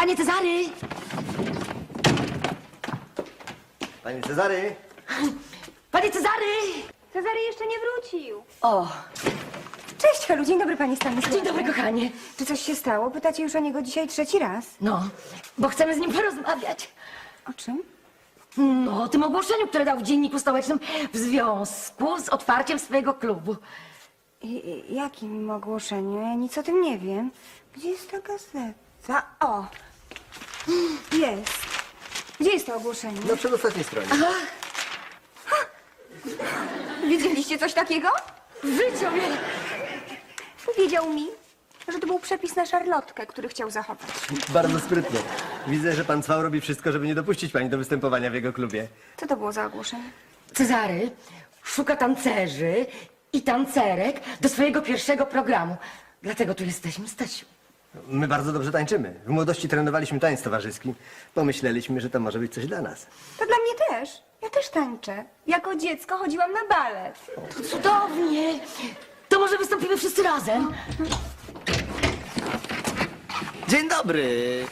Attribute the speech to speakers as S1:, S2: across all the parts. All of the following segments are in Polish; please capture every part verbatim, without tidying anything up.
S1: Panie Cezary!
S2: Panie Cezary!
S1: Panie Cezary!
S3: Cezary jeszcze nie wrócił.
S1: O,
S3: Cześć, Helu, dzień dobry, pani Stanisławie.
S1: dzień dobry, kochanie.
S3: Czy coś się stało? Pytacie już o niego dzisiaj trzeci raz.
S1: No, bo chcemy z nim porozmawiać.
S3: O czym?
S1: No, o tym ogłoszeniu, które dał w Dzienniku Stołecznym w związku z otwarciem swojego klubu.
S3: I, i, jakim ogłoszeniu? Ja nic o tym nie wiem. Gdzie jest ta gazeta? O! Jest. Gdzie jest to ogłoszenie?
S2: Na przedostatniej stronie.
S3: Widzieliście coś takiego?
S1: W życiu mnie...
S3: Powiedział mi, że to był przepis na szarlotkę, który chciał zachować.
S2: Bardzo sprytnie. Widzę, że pan Cwał robi wszystko, żeby nie dopuścić pani do występowania w jego klubie.
S3: Co to było za ogłoszenie?
S1: Cezary szuka tancerzy i tancerek do swojego pierwszego programu. Dlatego tu jesteśmy, Stasiu.
S2: My bardzo dobrze tańczymy. W młodości trenowaliśmy tańc towarzyski. Pomyśleliśmy, że to może być coś dla nas.
S3: To dla mnie też. Ja też tańczę. Jako dziecko chodziłam na balet.
S1: To cudownie. To może wystąpimy wszyscy razem?
S4: Dzień dobry.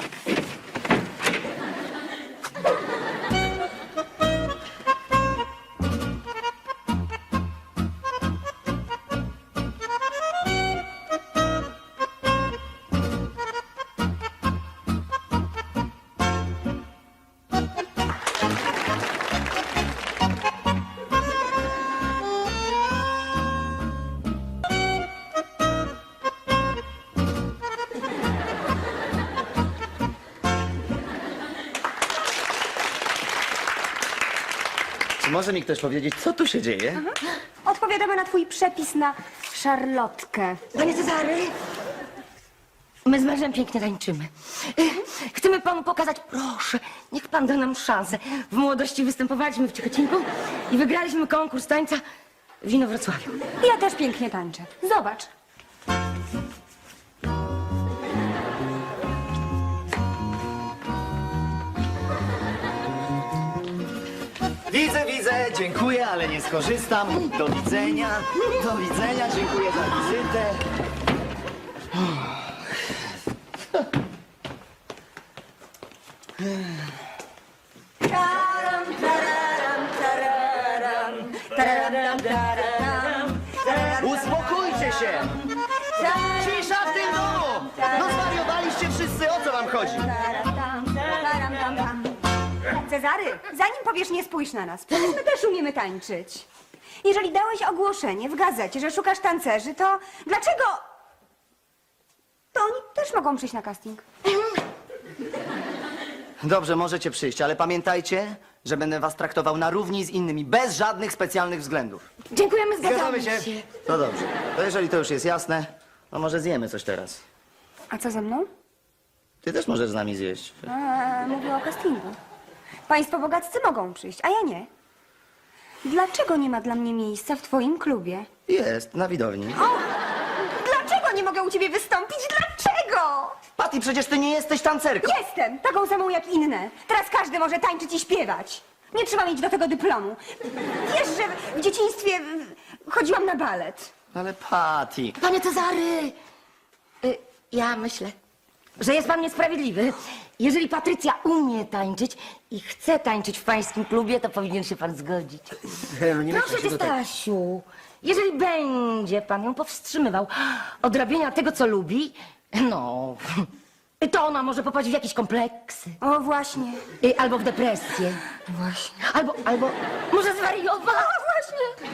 S4: Czy może mi ktoś powiedzieć, co tu się dzieje?
S3: Odpowiadamy na twój przepis na szarlotkę.
S1: Panie Cezary, my z mężem pięknie tańczymy. Chcemy panu pokazać, proszę, niech pan da nam szansę. W młodości występowaliśmy w Ciechocinku i wygraliśmy konkurs tańca w Inowrocławiu.
S3: Ja też pięknie tańczę. Zobacz.
S4: Widzę, widzę, dziękuję, ale nie skorzystam. Do widzenia, do widzenia, dziękuję za wizytę. Uspokójcie się! Cisza w tym domu! No zwariowaliście wszyscy, o co wam chodzi?
S3: Cezary, zanim powiesz nie spójrz na nas, przecież my też umiemy tańczyć. Jeżeli dałeś ogłoszenie w gazecie, że szukasz tancerzy, to dlaczego... To oni też mogą przyjść na casting.
S4: Dobrze, możecie przyjść, ale pamiętajcie, że będę was traktował na równi z innymi, bez żadnych specjalnych względów.
S1: Dziękujemy, zgadzamy
S4: Zgadzamy
S1: się.
S4: się? No dobrze, to jeżeli to już jest jasne, no może zjemy coś teraz.
S3: A co ze mną?
S4: Ty też możesz z nami zjeść.
S3: A, mówię o castingu. Państwo bogaccy mogą przyjść, a ja nie. Dlaczego nie ma dla mnie miejsca w twoim klubie?
S4: Jest, na widowni.
S3: O! Dlaczego nie mogę u ciebie wystąpić? Dlaczego?
S4: Patty, przecież ty nie jesteś tancerką.
S3: Jestem taką samą jak inne. Teraz każdy może tańczyć i śpiewać. Nie trzeba mieć do tego dyplomu. Wiesz, że w dzieciństwie y, chodziłam na balet.
S4: Ale Patty...
S1: Panie Cezary, y, ja myślę, że jest pan niesprawiedliwy. Jeżeli Patrycja umie tańczyć i chce tańczyć w pańskim klubie, to powinien się pan zgodzić.
S2: Helu, nie
S1: Proszę
S2: myślę,
S1: cię,
S2: że to tak...
S1: Stasiu, jeżeli będzie pan ją powstrzymywał od robienia tego, co lubi, no, to ona może popaść w jakieś kompleksy.
S3: O, właśnie.
S1: Y, Albo w depresję.
S3: Właśnie.
S1: Albo, albo może zwariować. O, właśnie.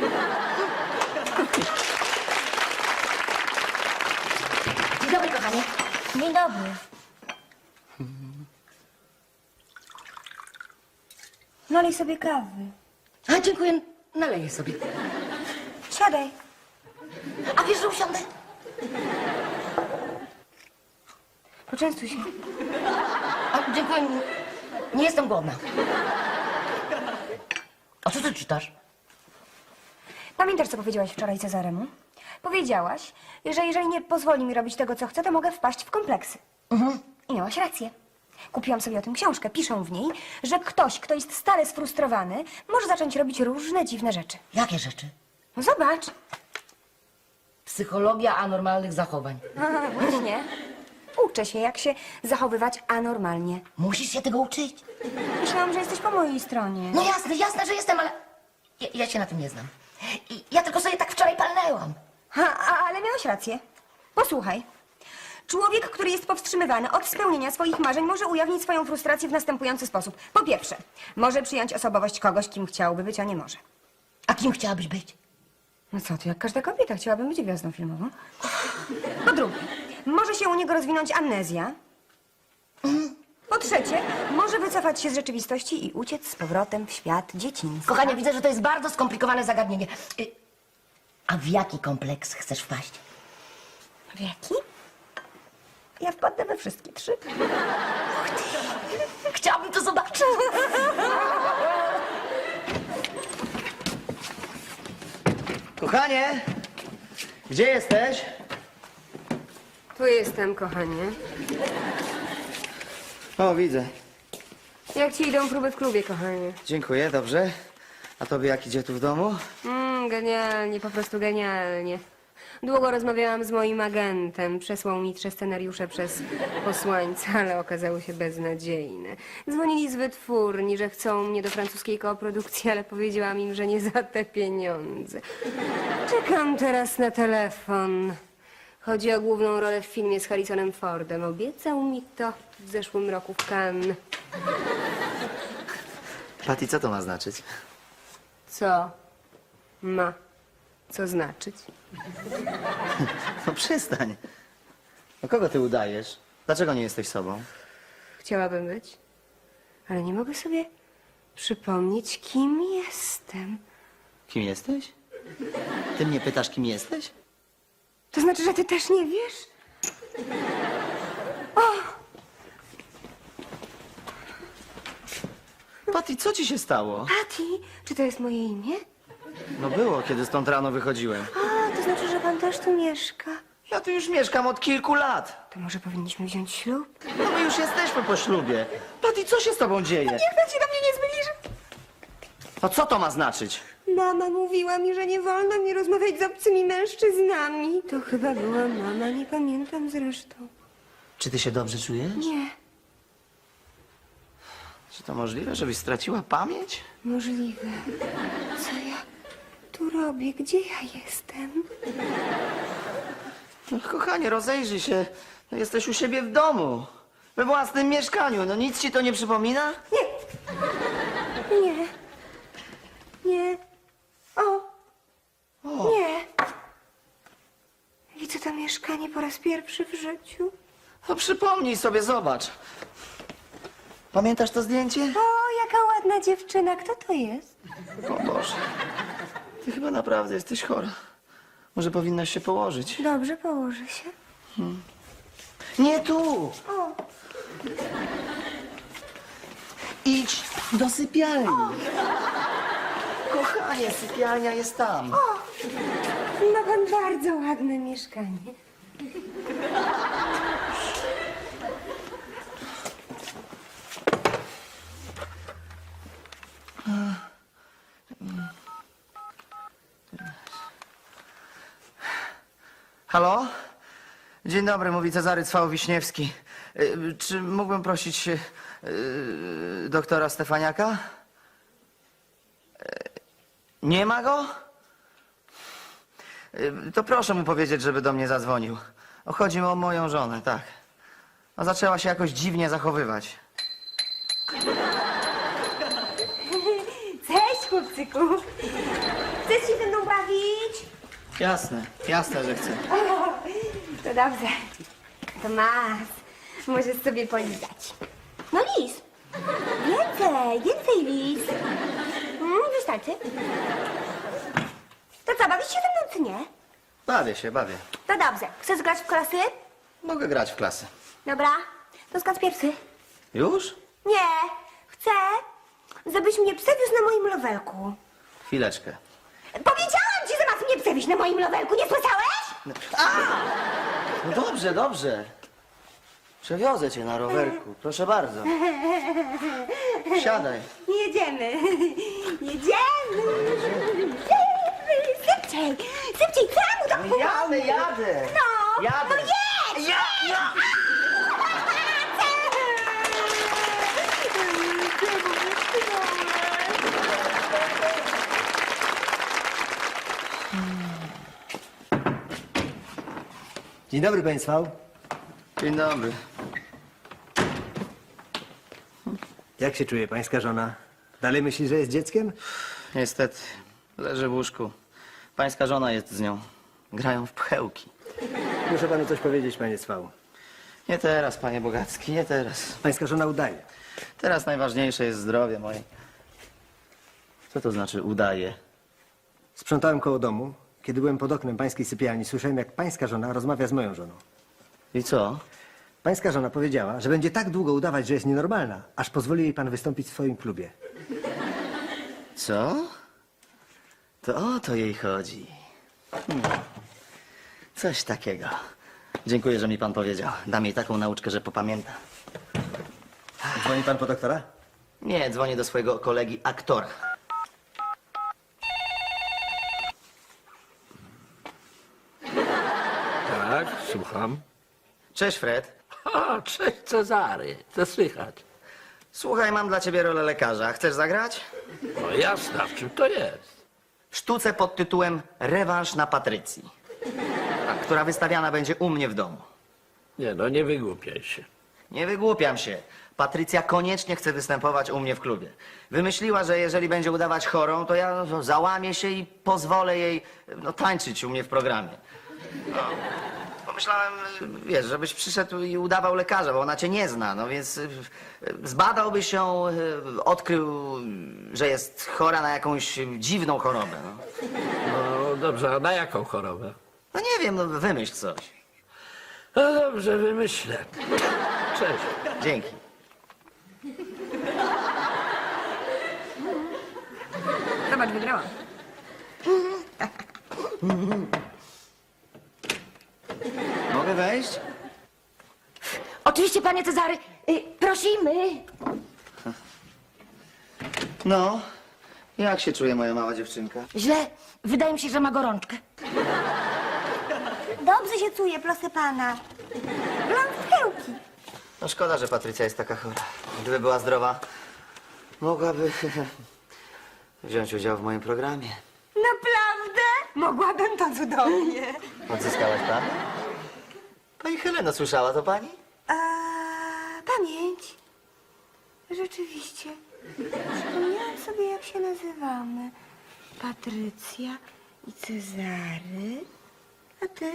S1: Dzień dobry, kochanie. Dzień dobry.
S3: Nalej sobie kawy.
S1: A, dziękuję. Naleję sobie.
S3: Siadaj.
S1: A wiesz, że usiądę?
S3: Poczęstuj się.
S1: A, dziękuję. Nie jestem głodna. A co ty czytasz?
S3: Pamiętasz, co powiedziałaś wczoraj Cezaremu? Powiedziałaś, że jeżeli nie pozwoli mi robić tego, co chcę, to mogę wpaść w kompleksy.
S1: Mhm.
S3: I miałaś rację. Kupiłam sobie o tym książkę. Piszą w niej, że ktoś, kto jest stale sfrustrowany, może zacząć robić różne dziwne rzeczy.
S1: Jakie rzeczy?
S3: No zobacz.
S1: Psychologia anormalnych zachowań.
S3: A, właśnie. uczę się, jak się zachowywać anormalnie.
S1: Musisz się tego uczyć.
S3: Myślałam, że jesteś po mojej stronie.
S1: No jasne, jasne, że jestem, ale ja, ja się na tym nie znam. I ja tylko sobie tak wczoraj palnęłam.
S3: Ha, a, ale miałeś rację. Posłuchaj. Człowiek, który jest powstrzymywany od spełnienia swoich marzeń, może ujawnić swoją frustrację w następujący sposób. Po pierwsze, może przyjąć osobowość kogoś, kim chciałby być, a nie może.
S1: A kim chciałabyś być?
S3: No co ty, jak każda kobieta, chciałabym być gwiazdą filmową. Po drugie, może się u niego rozwinąć amnezja. Po trzecie, może wycofać się z rzeczywistości i uciec z powrotem w świat dzieciństwa.
S1: Kochanie, widzę, że to jest bardzo skomplikowane zagadnienie. Y, A w jaki kompleks chcesz wpaść?
S3: W jaki? Ja wpadnę we wszystkie trzy.
S1: Chciałabym to zobaczyć.
S4: Kochanie, gdzie jesteś?
S3: Tu jestem, kochanie.
S4: O, widzę.
S3: Jak ci idą próby w klubie, kochanie?
S4: Dziękuję, dobrze. A tobie jak idzie tu w domu?
S3: Mm, genialnie, po prostu genialnie. Długo rozmawiałam z moim agentem. Przesłał mi trzy scenariusze przez posłańca, ale okazały się beznadziejne. Dzwonili z wytwórni, że chcą mnie do francuskiej koprodukcji, ale powiedziałam im, że nie za te pieniądze. Czekam teraz na telefon. Chodzi o główną rolę w filmie z Harrisonem Fordem. Obiecał mi to w zeszłym roku w Cannes.
S4: Patty, co to ma znaczyć?
S3: Co ma co znaczyć?
S4: No przestań. No kogo ty udajesz? Dlaczego nie jesteś sobą?
S3: Chciałabym być, ale nie mogę sobie przypomnieć, kim jestem.
S4: Kim jesteś? Ty mnie pytasz, kim jesteś?
S3: To znaczy, że ty też nie wiesz?
S4: Patty, co ci się stało?
S3: Patty, czy to jest moje imię?
S4: No było, kiedy stąd rano wychodziłem.
S3: A, to znaczy, że pan też tu mieszka.
S4: Ja tu już mieszkam od kilku lat.
S3: To może powinniśmy wziąć ślub?
S4: No my już jesteśmy po ślubie. Patty, co się z tobą dzieje?
S3: Niech pan się do mnie nie zbliży.
S4: No co to ma znaczyć?
S3: Mama mówiła mi, że nie wolno mi rozmawiać z obcymi mężczyznami. To chyba była mama, nie pamiętam zresztą.
S4: Czy ty się dobrze czujesz?
S3: Nie,
S4: Czy to możliwe, żebyś straciła pamięć?
S3: możliwe. Co ja tu robię? Gdzie ja jestem?
S4: No, kochanie, rozejrzyj się. No, jesteś u siebie w domu. We własnym mieszkaniu. No nic ci to nie przypomina?
S3: Nie. Nie. Nie. O.
S4: O.
S3: Nie. Widzę to mieszkanie po raz pierwszy w życiu.
S4: No przypomnij sobie, zobacz. Pamiętasz to zdjęcie?
S3: O, jaka ładna dziewczyna. Kto to jest?
S4: O Boże. Ty chyba naprawdę jesteś chora. Może powinnaś się położyć.
S3: Dobrze, położę się.
S4: Nie tu!
S3: O.
S4: Idź do sypialni. Kochanie, sypialnia jest tam.
S3: Ma pan bardzo ładne mieszkanie.
S4: Halo? Dzień dobry, mówi Cezary Cwał-Wiśniewski. Y, Czy mógłbym prosić y, doktora Stefaniaka? Y, Nie ma go? Y, To proszę mu powiedzieć, żeby do mnie zadzwonił. O, chodzi o moją żonę, tak. No, zaczęła się jakoś dziwnie zachowywać.
S3: Cześć, chłopcyku. Chcesz się ze mną bawić?
S4: Jasne, jasne, że chcę.
S3: O, to dobrze. To masz. Możesz sobie polizać. No lis. Więcej, więcej lis. Mm, wystarczy. To co, bawisz się ze mną, czy nie?
S4: Bawię się, bawię.
S3: To dobrze. Chcesz grać w klasy?
S4: Mogę grać w klasy.
S3: Dobra. To skacz pierwszy.
S4: Już?
S3: Nie. Chcę, żebyś mnie przewiózł na moim rowerku.
S4: Chwileczkę.
S3: Powiedziałam ci, że masz mnie przewieźć na moim rowerku, nie słyszałeś?
S4: No dobrze, dobrze. Przewiozę cię na rowerku, proszę bardzo. Siadaj.
S3: Jedziemy. Jedziemy. Szybciej, szybciej, czemu tak
S4: No
S3: powoli?
S4: jadę, jadę.
S3: No,
S4: Jadę.
S3: no jedź!
S4: Ja, ja.
S2: Dzień dobry państwu.
S4: Dzień dobry.
S2: Jak się czuje pańska żona? Dalej myśli, że jest dzieckiem?
S4: Niestety, leży w łóżku. Pańska żona jest z nią. Grają w pchełki.
S2: Muszę panu coś powiedzieć, panie Cwał.
S4: Nie teraz, panie Bogacki, nie teraz.
S2: Pańska żona udaje.
S4: Teraz najważniejsze jest zdrowie moje. Co to znaczy udaje?
S2: Sprzątałem koło domu. Kiedy byłem pod oknem pańskiej sypialni, słyszałem, jak pańska żona rozmawia z moją żoną.
S4: I co?
S2: Pańska żona powiedziała, że będzie tak długo udawać, że jest nienormalna, aż pozwoli jej pan wystąpić w swoim klubie.
S4: Co? To o to jej chodzi. Hmm. Coś takiego. Dziękuję, że mi pan powiedział. Dam jej taką nauczkę, że popamięta.
S2: Dzwoni pan po doktora?
S4: Nie, dzwonię do swojego kolegi aktora.
S5: Tak, słucham.
S4: Cześć, Fred.
S5: A, cześć Cezary, co słychać?
S4: Słuchaj, mam dla ciebie rolę lekarza. Chcesz zagrać?
S5: No jasne, a w czym to jest?
S4: W sztuce pod tytułem Rewanż na Patrycji, która wystawiana będzie u mnie w domu.
S5: Nie no, nie wygłupiaj się.
S4: Nie wygłupiam się. Patrycja koniecznie chce występować u mnie w klubie. Wymyśliła, że jeżeli będzie udawać chorą, to ja no, załamię się i pozwolę jej no, tańczyć u mnie w programie. No. Pomyślałem, wiesz, żebyś przyszedł i udawał lekarza, bo ona cię nie zna, no więc y, y, zbadałbyś ją, y, odkrył, że jest chora na jakąś dziwną chorobę. No,
S5: No dobrze, a na jaką chorobę?
S4: no nie wiem, no wymyśl coś.
S5: No dobrze, wymyślę. Cześć.
S4: Dzięki.
S3: Zobacz, wygrałam.
S4: Mogę wejść?
S1: Oczywiście, panie Cezary, y, prosimy.
S4: No, jak się czuje moja mała dziewczynka?
S1: Źle. Wydaje mi się, że ma gorączkę.
S3: Dobrze się czuję, proszę pana. Gram w pchełki.
S4: No szkoda, że Patrycja jest taka chora. Gdyby była zdrowa, mogłaby wziąć udział w moim programie.
S3: Naprawdę? Mogłabym to cudownie.
S4: Odzyskałaś pan? Pani Heleno, słyszała to pani?
S3: A, pamięć. Rzeczywiście. Przypomniałam sobie, jak się nazywamy. Patrycja i Cezary. A ty?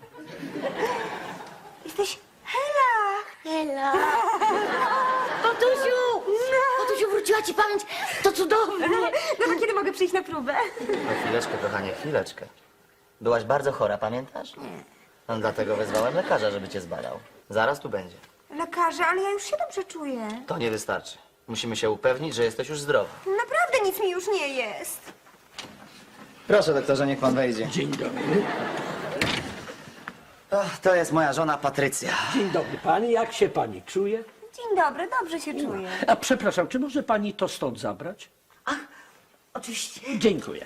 S3: Jesteś Hela.
S1: Hela. Tatusiu! Tatusiu, wróciła ci pamięć. To cudownie.
S3: No to kiedy mogę przyjść na próbę?
S4: No chwileczkę, kochanie, chwileczkę. Byłaś bardzo chora, pamiętasz? Nie. No dlatego wezwałem lekarza, żeby cię zbadał. Zaraz tu będzie.
S3: Lekarze, ale ja już się dobrze czuję.
S4: To nie wystarczy. Musimy się upewnić, że jesteś już zdrowa.
S3: Naprawdę nic mi już nie jest.
S4: Proszę, doktorze, niech pan wejdzie.
S5: Dzień dobry.
S4: Ach, to jest moja żona Patrycja.
S5: Dzień dobry pani, jak się pani czuje?
S3: Dzień dobry, dobrze się czuję.
S5: A przepraszam, czy może pani to stąd zabrać?
S1: Oczywiście.
S5: Dziękuję.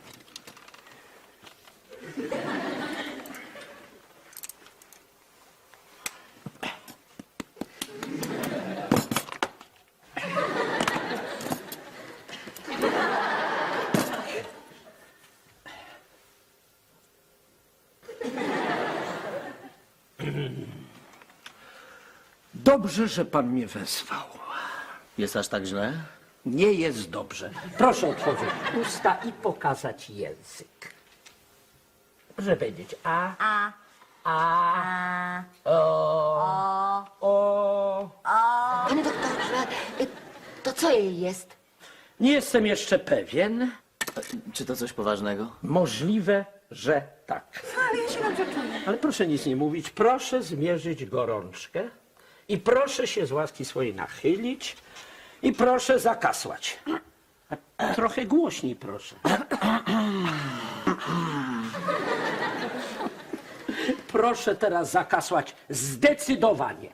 S5: Dobrze, że pan mnie wezwał.
S4: Jest aż tak źle?
S5: Nie jest dobrze. Proszę otworzyć usta i pokazać język. Proszę powiedzieć a,
S3: A,
S5: a,
S3: a,
S5: o,
S3: o.
S5: o.
S1: Panie doktorze, y, to co jej jest?
S5: Nie jestem jeszcze pewien.
S4: Czy to coś poważnego?
S5: Możliwe, że tak.
S3: Ale ja się dobrze czuję.
S5: Ale proszę nic nie mówić. Proszę zmierzyć gorączkę i proszę się z łaski swojej nachylić i proszę zakasłać. A trochę głośniej, proszę. Proszę teraz zakasłać zdecydowanie.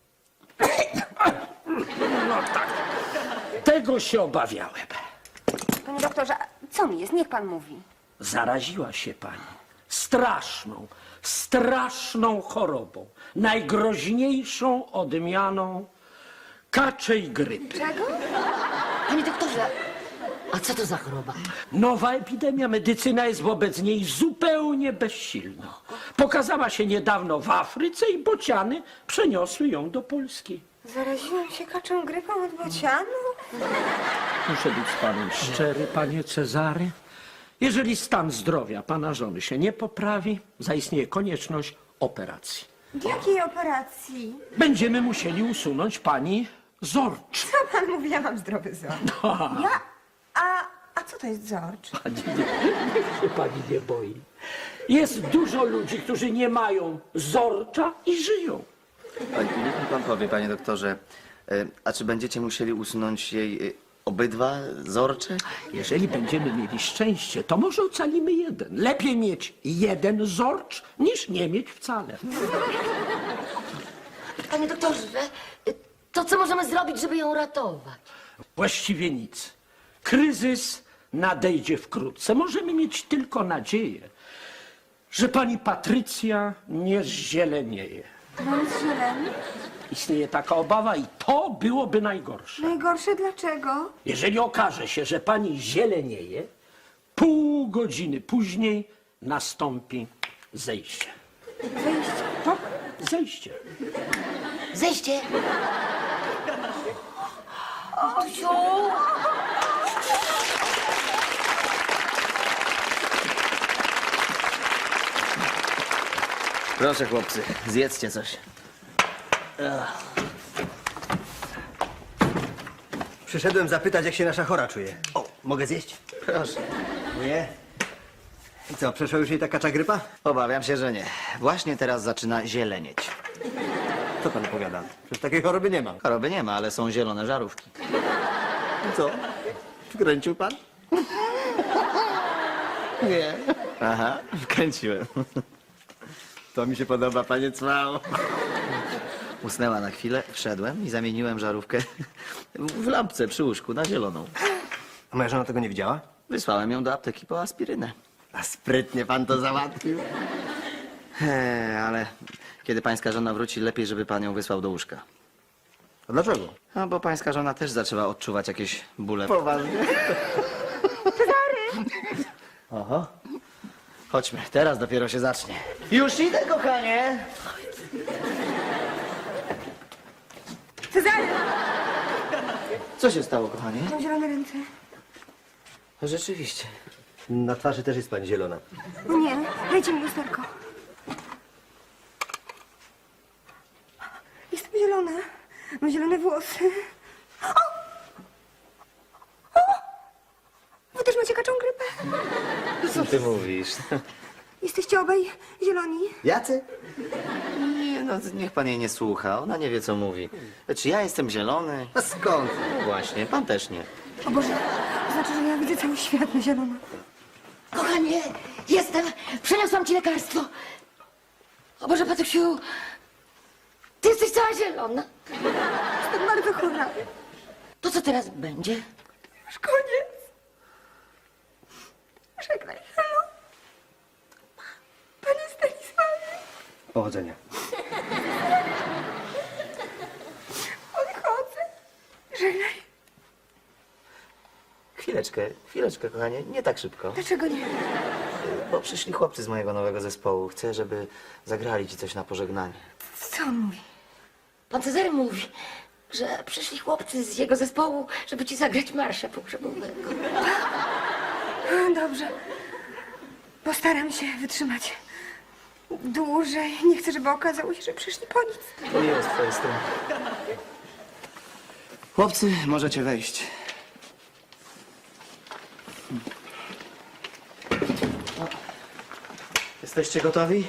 S5: No tak. Tego się obawiałem.
S3: Panie doktorze, a co mi jest? Niech pan mówi.
S5: Zaraziła się pani straszną, straszną chorobą, najgroźniejszą odmianą kaczej grypy.
S3: Czego?
S1: Panie doktorze, A co to za choroba?
S5: Nowa epidemia, medycyna jest wobec niej zupełnie bezsilna. Pokazała się niedawno w Afryce i bociany przeniosły ją do Polski.
S3: Zaraziłam się kaczą grypą od bocianu?
S5: Muszę być z panem szczery, panie Cezary. Jeżeli stan zdrowia pana żony się nie poprawi, zaistnieje konieczność operacji.
S3: Jakiej operacji?
S5: Będziemy musieli usunąć pani zorcz.
S3: Co pan mówi? Ja mam zdrowy wzrok. Ja? A, a co to jest zorcz?
S5: Pani nie, niech się pani nie boi. Jest dużo ludzi, którzy nie mają zorcza i żyją.
S4: Niech mi pan powie, panie doktorze, y, a czy będziecie musieli usunąć jej y, obydwa zorcze?
S5: Jeżeli będziemy mieli szczęście, to może ocalimy jeden. Lepiej mieć jeden zorcz, niż nie mieć wcale.
S1: Panie doktorze, to co możemy zrobić, żeby ją ratować?
S5: Właściwie nic. Kryzys nadejdzie wkrótce. Możemy mieć tylko nadzieję, że pani Patrycja nie zzielenieje.
S3: Mam zieleń.
S5: Istnieje taka obawa i to byłoby najgorsze.
S3: Najgorsze dlaczego?
S5: Jeżeli okaże się, że pani zielenieje, pół godziny później nastąpi zejście.
S3: Wyjść.
S5: Tak, zejście.
S1: Zejście. Tusiu.
S4: Proszę, chłopcy, zjedzcie coś.
S2: Przyszedłem zapytać, jak się nasza chora czuje. O, mogę zjeść?
S4: Proszę.
S2: Nie. I co, przeszła już jej ta kacza grypa?
S4: Obawiam się, że nie. Właśnie teraz zaczyna zielenieć.
S2: Co pan opowiada? Przecież takiej choroby nie mam.
S4: Choroby nie ma, ale są zielone żarówki.
S2: I co? Wkręcił pan?
S4: Nie. Aha, wkręciłem.
S2: To mi się podoba, panie Cwał.
S4: Usnęła na chwilę, wszedłem i zamieniłem żarówkę w lampce przy łóżku na zieloną.
S2: A moja żona tego nie widziała?
S4: Wysłałem ją do apteki po aspirynę.
S2: A sprytnie pan to załatwił.
S4: He, ale kiedy pańska żona wróci, lepiej, żeby pan ją wysłał do łóżka.
S2: A dlaczego?
S4: No, bo pańska żona też zaczęła odczuwać jakieś bóle.
S2: Poważnie. Aha.
S4: Chodźmy, teraz dopiero się zacznie. Już idę, kochanie!
S3: Cezary!
S4: Co się stało, kochanie?
S3: Mam zielone ręce.
S4: Rzeczywiście.
S2: Na twarzy też jest pani zielona.
S3: O nie, dajcie mi lusterko. Jestem zielona. Mam zielone włosy. O! O! Wy też macie kaczą grypę?
S4: Co ty mówisz?
S3: Jesteście obaj zieloni.
S2: Jacy?
S4: Nie, no niech pan jej nie słucha, ona nie wie, co mówi. Czy ja jestem zielony?
S2: A skąd?
S4: No właśnie, pan też nie.
S3: O Boże, to znaczy, że ja widzę cały świat na zielono.
S1: Kochanie, jestem. Przyniosłam ci lekarstwo. O Boże, Patryksiu, ty jesteś cała zielona.
S3: Jestem bardzo chora.
S1: To co teraz będzie?
S3: Już koniec. Żegnaj, halo. Panie Stanisławie,
S2: Powodzenia.
S3: odchodzę. Żegnaj.
S4: Chwileczkę, chwileczkę, kochanie, nie tak szybko.
S3: Dlaczego nie?
S4: Bo przyszli chłopcy z mojego nowego zespołu. Chcę, żeby zagrali ci coś na pożegnanie.
S3: Co on mówi?
S1: Pan Cezary mówi, że przyszli chłopcy z jego zespołu, żeby ci zagrać marsza pogrzebowego.
S3: Dobrze. Postaram się wytrzymać dłużej. Nie chcę, żeby okazało się, że przyszli po nic.
S4: To jest twoja strona. Chłopcy, możecie wejść. O. Jesteście gotowi?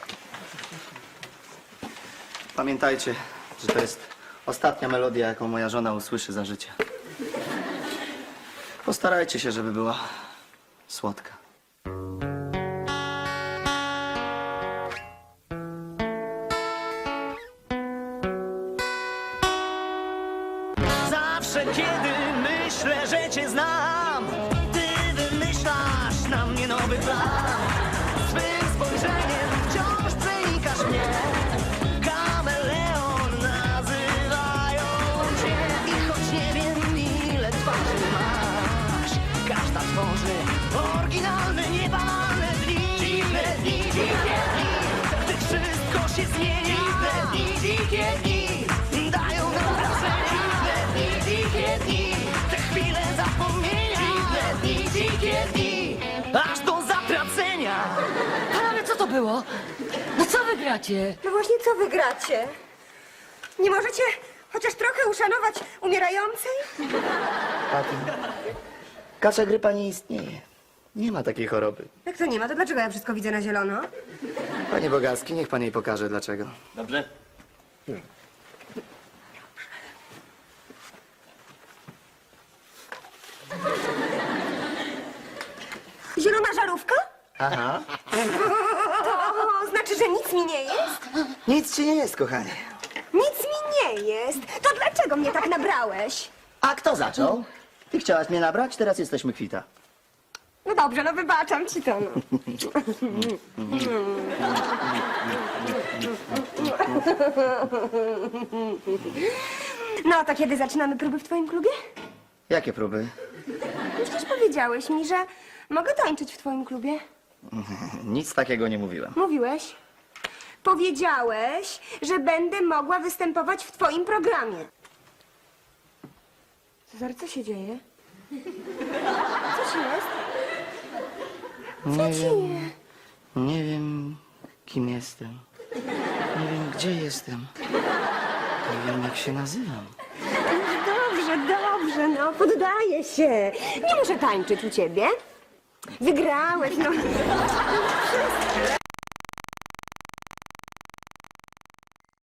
S4: Pamiętajcie, że to jest ostatnia melodia, jaką moja żona usłyszy za życia. Postarajcie się, żeby była słodka.
S6: Zawsze kiedy myślę, że cię znam, ty wymyślasz na mnie nowy plan. Swym spojrzeniem wciąż przenikasz mnie. Kameleon nazywają cię. I choć nie wiem ile twarzy masz, się zmienia. Te dni, dzikie dni dają nam wrażenia. Te dni, dzikie dni, te chwile zapomnienia. Te dni, dzikie dni, aż do zatracenia.
S1: Panowie, co to było? No co wy gracie?
S3: No właśnie, co wy gracie? Nie możecie chociaż trochę uszanować umierającej?
S4: Paty, kasza grypa nie istnieje. Nie ma takiej choroby.
S3: Jak to nie ma, to dlaczego ja wszystko widzę na zielono?
S4: Panie Bogarski, niech pan jej pokaże dlaczego.
S7: Dobrze?
S3: Zielona żarówka?
S4: Aha.
S3: To znaczy, że nic mi nie jest?
S4: Nic ci nie jest, kochanie.
S3: Nic mi nie jest. To dlaczego mnie tak nabrałeś?
S4: A kto zaczął? Ty chciałaś mnie nabrać, teraz jesteśmy kwita.
S3: No dobrze, no wybaczam ci to. No. No to kiedy zaczynamy próby w twoim klubie?
S4: Jakie próby?
S3: Przecież powiedziałeś mi, że mogę tańczyć w twoim klubie.
S4: Nic takiego nie mówiłem.
S3: Mówiłeś. Powiedziałeś, że będę mogła występować w twoim programie. Cezary, co się dzieje? Co ci jest?
S4: Nie wiem. Nie wiem, kim jestem. Nie wiem, gdzie jestem. Nie wiem, jak się nazywam.
S3: Dobrze, dobrze, no poddaję się. Nie muszę tańczyć u ciebie. Wygrałeś, no.